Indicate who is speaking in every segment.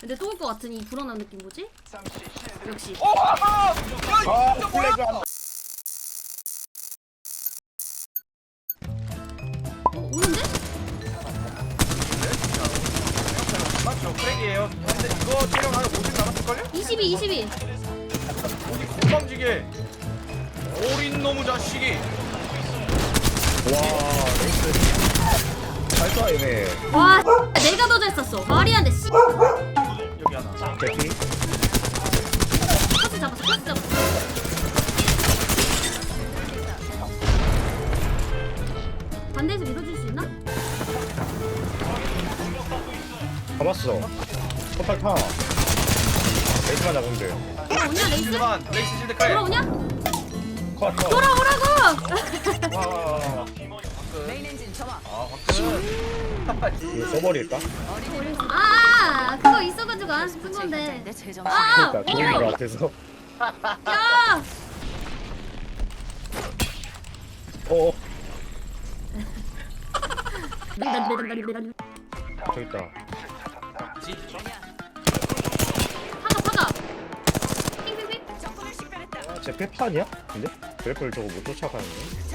Speaker 1: 근데 또 올 것 같은 이 불안한 느낌 뭐지? 역시.
Speaker 2: 플래그 안
Speaker 1: 오는데?
Speaker 3: 맞죠? 크랙이에요. 근데 이거 체력 한 50 남았을걸요?
Speaker 1: 22, 22.
Speaker 3: 어디 건방지게 어린 놈의 자식이.
Speaker 2: 잘 쏴, 얘네.
Speaker 1: 와, 내가 더 잘 쐈어. 말이 안 돼, 씨.
Speaker 3: 여기 하나.
Speaker 2: 대피?
Speaker 1: 커스 잡았어, 커스 잡았어. 반대에서 밀어줄 수 있나?
Speaker 2: 잡았어. 포탈 타. 레이스만 잡으면 돼요.
Speaker 1: 돌아오냐, 레이스?
Speaker 3: 실드만 레이스 실드 크랙.
Speaker 1: 돌아오냐?
Speaker 2: 컷, 컷.
Speaker 1: 돌아오라고!
Speaker 3: 와.
Speaker 4: 메인 엔진 점화.
Speaker 3: 아 화끈.
Speaker 2: 이거 써버릴까?
Speaker 1: 아, 그거 있어가지고 안 쓴 건데.
Speaker 4: 내 재정.
Speaker 1: 아!
Speaker 2: 그러니까 좋은 거 같아서.
Speaker 1: 야!
Speaker 2: 어, 저기 있다.
Speaker 1: 파가. 핑핑핑.
Speaker 4: 적군을 식별했다.
Speaker 2: 쟤 페파 아니야? 근데? 그래플 저거 못 쫓아가는데?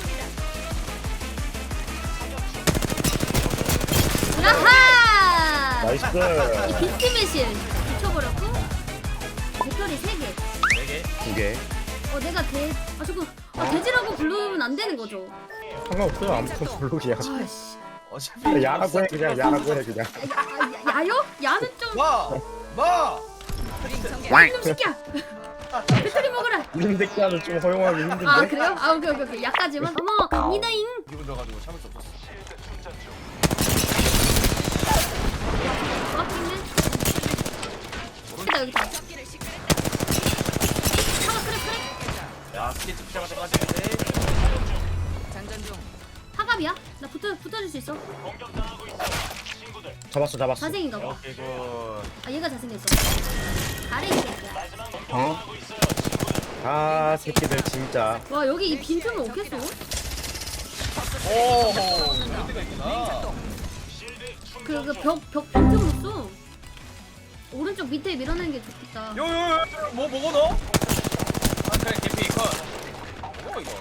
Speaker 1: 야하!
Speaker 2: 나이스!
Speaker 1: 이 비트 매실 붙여버렸고 배터리 3개.
Speaker 3: 4개.
Speaker 2: 2개.
Speaker 1: 내가 저거 돼지라고 부르면 안 되는 거죠?
Speaker 2: 상관없어요. 아무튼 블록이야.
Speaker 1: 아이씨.
Speaker 3: 어차피
Speaker 2: 야라고 해, 그냥. 야라고 해, 그냥.
Speaker 1: 야요? 야는 좀
Speaker 3: 마.
Speaker 1: 좀 시켜. 배터리 먹으라.
Speaker 2: 이런 새끼는 좀 허용하기 힘든데?
Speaker 1: 아 그래요? 아 오케이. 약까지만. 어머 갑니다잉.
Speaker 3: 기분 좋아가지고 참을 수 없었어.
Speaker 1: 맞겠네. 여기다. 그래.
Speaker 3: 야 스케치 피자가 돼가지는데.
Speaker 4: 장전 중.
Speaker 1: 하갑이야? 나 붙어줄 수 있어.
Speaker 2: 잡았어.
Speaker 1: 자생인가 봐.
Speaker 3: 오케이 굿.
Speaker 1: 아 얘가 잘생겼어. 잘해 이 새끼야.
Speaker 2: 어? 아, 새끼들 진짜.
Speaker 1: 와 여기 이 빈틈을 어떻게 써?
Speaker 3: 오. 이런 데가 있구나.
Speaker 1: 벽 빈틈으로 써. 오른쪽 밑에 밀어내는 게 좋겠다.
Speaker 3: 요요요 뭐 먹어 너? 아 그래 개피 컷. 뭐 이거?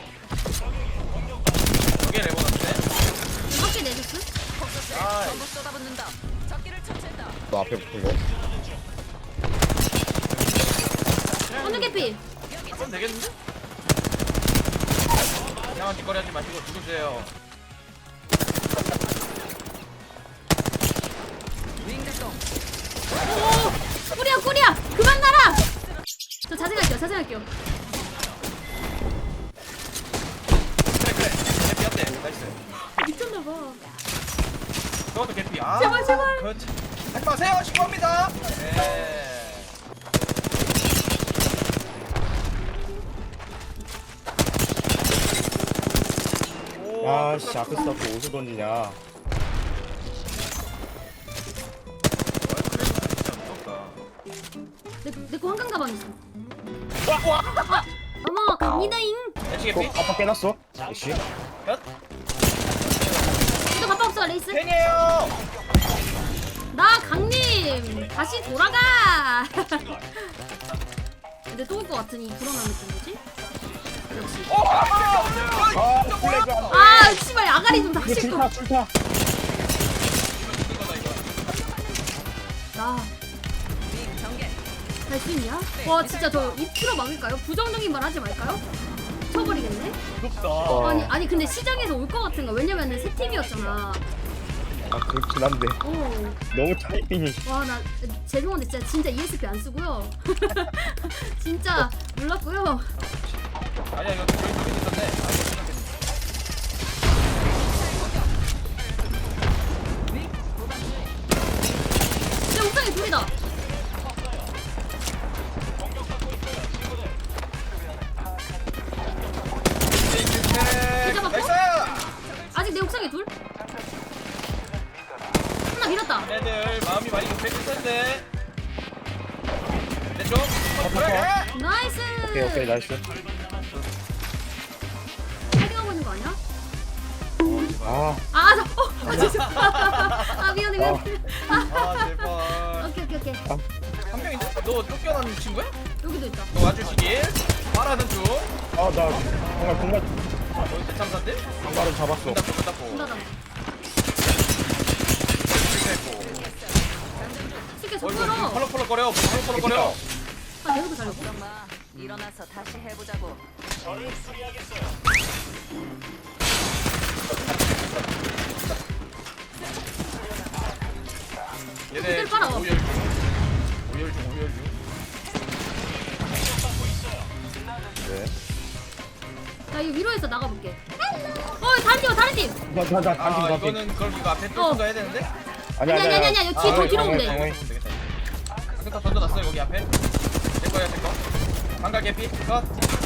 Speaker 3: 이게 레버넌트네.
Speaker 1: 밖에 내줬어?
Speaker 3: 아
Speaker 4: 전부 쏟아붓는다. 적기를 처치했다.
Speaker 2: 너 앞에 붙은 거.
Speaker 1: 어느 개피?
Speaker 3: 그럼 되겠는데? 이상한 짓거리 하지 마시고 죽으세요.
Speaker 4: 윙 발동.
Speaker 1: 오! 꾸리야! 그만 날아! 저 자생할게요.
Speaker 3: 그래 개피였대. 나이스.
Speaker 1: 미쳤나봐.
Speaker 3: 저것도 개피. 아
Speaker 1: 제발.
Speaker 3: 그렇지. 하지 마세요. 신고합니다. 네. 오,
Speaker 2: 아씨, 앞에 스타프 어디서 던지냐.
Speaker 1: 내거 한강 가방 있어. 어머 갑니다잉.
Speaker 3: 대치
Speaker 2: 또
Speaker 3: 개피?
Speaker 2: 아빠 깨놨어? 씨.
Speaker 3: 몇?
Speaker 1: 너 가방 없어 레이스?
Speaker 3: 팬이에요.
Speaker 1: 나 강림 다시 돌아가. 근데 또 올 것 같은 이 불안한 느낌 뭐지? 역시.
Speaker 2: 아, 플래그 안
Speaker 1: 아 씨발 아가리 좀
Speaker 2: 이거
Speaker 1: 닥칠 거.
Speaker 2: 출타.
Speaker 1: 나.
Speaker 4: 윙 전개.
Speaker 1: 갈 수 있냐? 와 진짜 저 입틀어 막을까요? 부정적인 말 하지 말까요? 쳐버리겠네?
Speaker 3: 무섭다.
Speaker 1: 아니 근데 시장에서 올 것 같은 거 왜냐면은 새 팀이었잖아.
Speaker 2: 아, 그렇긴 한데.
Speaker 1: 오.
Speaker 2: 너무 타이밍이.
Speaker 1: 와 나 죄송한데 진짜 ESP 안 쓰고요. 진짜 몰랐고요.
Speaker 3: 아니야 이거 저기 있었네.
Speaker 1: 내 옥상에 둘이다.
Speaker 3: 나이스.
Speaker 1: 아직 내 옥상에 둘? 하나 밀었다.
Speaker 3: 애들 마음이 많이 급해질 텐데. 내쪽 그래.
Speaker 1: 나이스.
Speaker 2: 오케이, 나이스.
Speaker 1: 헤딩하고 있는 거 아니야?
Speaker 2: 아,
Speaker 1: 아, 진짜. 아, 미안해.
Speaker 3: 아 제발.
Speaker 1: 오케이.
Speaker 3: 한 명인데? 너 쫓겨난 친구야?
Speaker 1: 여기도 있다.
Speaker 3: 너 와주시길 바라는 중.
Speaker 2: 아, 나 정말 공간
Speaker 3: 너 대참사인데?
Speaker 2: 공간을 잡았어.
Speaker 3: 문 닫고 문 닫고.
Speaker 1: 문 닫아. 쉽게 저
Speaker 3: 이거
Speaker 1: 끌어.
Speaker 3: 펄럭펄럭거려. 펄럭펄럭거려.
Speaker 1: 아, 내가도 살렸어.
Speaker 4: 걱정 마. 일어나서 다시 해보자고.
Speaker 3: 얘네
Speaker 1: 그들 빨아.
Speaker 3: 오열 중. 오열 중.
Speaker 2: 네.
Speaker 1: 나 이거 위로해서 나가볼게. 다른 팀, 다른 팀.
Speaker 2: 나
Speaker 3: 아
Speaker 2: 단팀.
Speaker 3: 이거는 그럼 이거 앞에 뚫고 가야 되는데?
Speaker 2: 아니야.
Speaker 1: 아니야. 뒤로 오면 돼.
Speaker 3: 되겠다. 아까 던져놨어 여기 앞에. 제 거야 제 거. 방갈 개피 컷.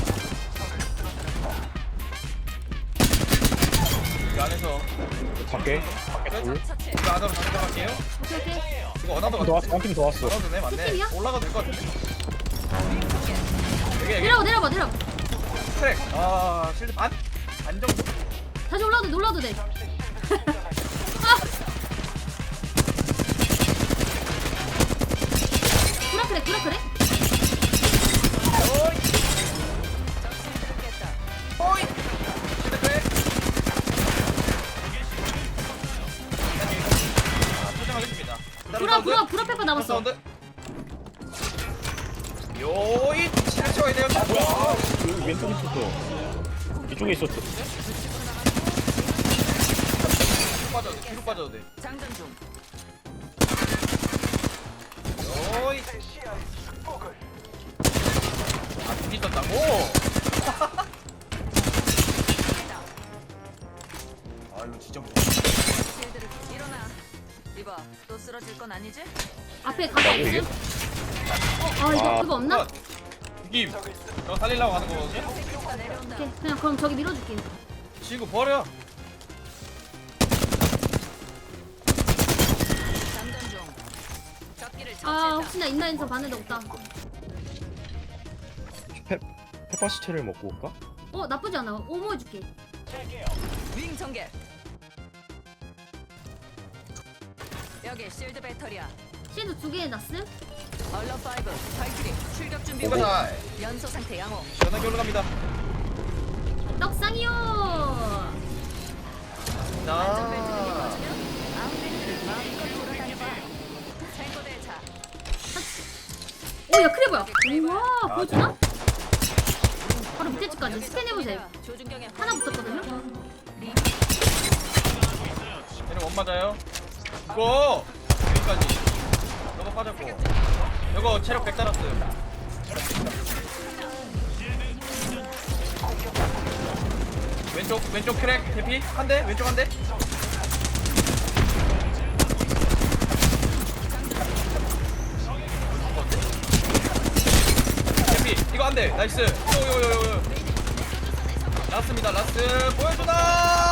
Speaker 3: 이 안에서
Speaker 2: 밖에.
Speaker 3: 끝. 이거 안으로 다시 들어갈게요.
Speaker 1: 오케이.
Speaker 3: 이거 어나더
Speaker 2: 더 왔어. 한팀 더 왔어.
Speaker 3: 어나더네 맞네.
Speaker 1: 팀이야?
Speaker 3: 올라가도 될 것 같은데. 여기
Speaker 1: 내려봐.
Speaker 3: 트랙. 아 실드 반 정도.
Speaker 1: 다시 올라도 돼. 아! 구라크래.
Speaker 3: 호이. 실드 트랙. 포장하겠습니다.
Speaker 1: 구라 페퍼 남았어.
Speaker 3: 사운드. 요이 실을 채워야 돼요.
Speaker 2: 뭐야? 여기 왼쪽에 있었어. 이쪽에 있었어.
Speaker 3: 뒤로 빠져도 돼.
Speaker 4: 장전 중.
Speaker 3: 요이. 아, 둘이 있었다고? 아, 이거 진짜 무서워.
Speaker 4: 실드를 일어나. 이봐, 또 쓰러질 건 아니지?
Speaker 1: 앞에 가서 있음. 이거 그거 없나?
Speaker 3: 이김. 너 살리려고 하는 거거든요?
Speaker 4: 다 내려온다.
Speaker 1: 오케이. 그냥 그럼 저기 밀어줄게.
Speaker 3: 친구 버려.
Speaker 4: 장전 중. 적기를
Speaker 1: 아,
Speaker 4: 처치했다.
Speaker 1: 혹시나 인라인서 반에도 없다.
Speaker 2: 페퍼시체를 먹고 올까?
Speaker 1: 나쁘지 않아. 오모 해줄게.
Speaker 4: 윙 전개. 여기 실드 배터리야.
Speaker 1: 실드 2개 해놨음.
Speaker 4: 얼러 5. 발키리 출격 준비
Speaker 3: 오가
Speaker 4: 완료.
Speaker 3: 다
Speaker 4: 연소 상태 양호.
Speaker 3: 시원하게 올라갑니다.
Speaker 1: 떡상이요.
Speaker 4: 안전벨트를
Speaker 3: 자.
Speaker 4: 입어주면 아웃레이트를 마음껏 돌아다녀봐. 생고대 차.
Speaker 1: 야, 크레버야. 우와, 보여주나? 바로 밑에 집까지
Speaker 4: 여기서
Speaker 1: 스캔해보세요.
Speaker 4: 조준경의
Speaker 1: 하나 붙었거든요?
Speaker 3: 얘는 원 맞아요. 이거 여기까지. 너가 빠졌고. 이거 체력 100 달았어요. 왼쪽 크랙 대피 한 대, 왼쪽 한 대. 대피 이거 한 대. 나이스. 요요요요. 라스트입니다. 라스트 보여주나.